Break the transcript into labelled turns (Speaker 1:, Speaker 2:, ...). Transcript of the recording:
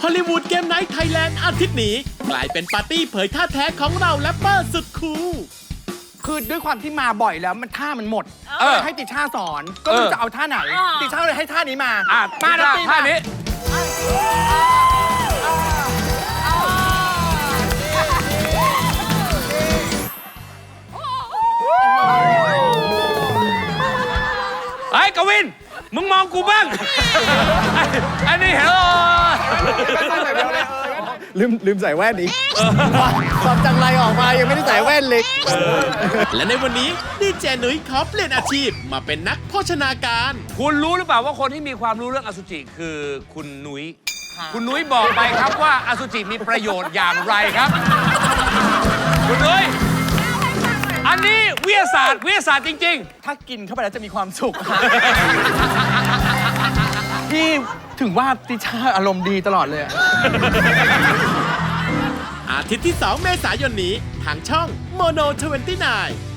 Speaker 1: อลลีวูดเกมไนท์ไทยแลนด์อาทิตย์นี้กลายเป็นปาร์ตี้เผยท่าแท้ของเราแรปเปอร์สุดคูล
Speaker 2: คือด้วยความที่มาบ่อยแล้วมันท่ามันหมดให้ติช่าสอนก็ไม่รู้จะเอาท่าไหนติช่าเลยให้ท่านี้มามา
Speaker 3: ท่านี้ไอ้กวินมึงมองกูบ้างอันนี้เห็น
Speaker 4: ลืมใส่แว่นอีกความจังไรออกมายังไม่ได้ใส่แว่นเลย
Speaker 1: และในวันนี้ดีเจนุ้ยขอเปลี่ยนอาชีพมาเป็นนักโภชนาการ
Speaker 3: คุณรู้หรือเปล่าว่าคนที่มีความรู้เรื่องอสุจิคือคุณนุ้ยคุณนุ้ยบอกไปครับว่าอสุจิมีประโยชน์อย่างไรครับคุณนุ้ยอันนี้วิทยาศาสตร์จริง
Speaker 2: ๆถ้ากินเข้าไปแล้วจะมีความสุขพี่ถึงว่าติช่าอารมณ์ดีตลอดเลย
Speaker 1: อาทิตย์ที่ 2 เมษายนนี้ทางช่อง Mono 29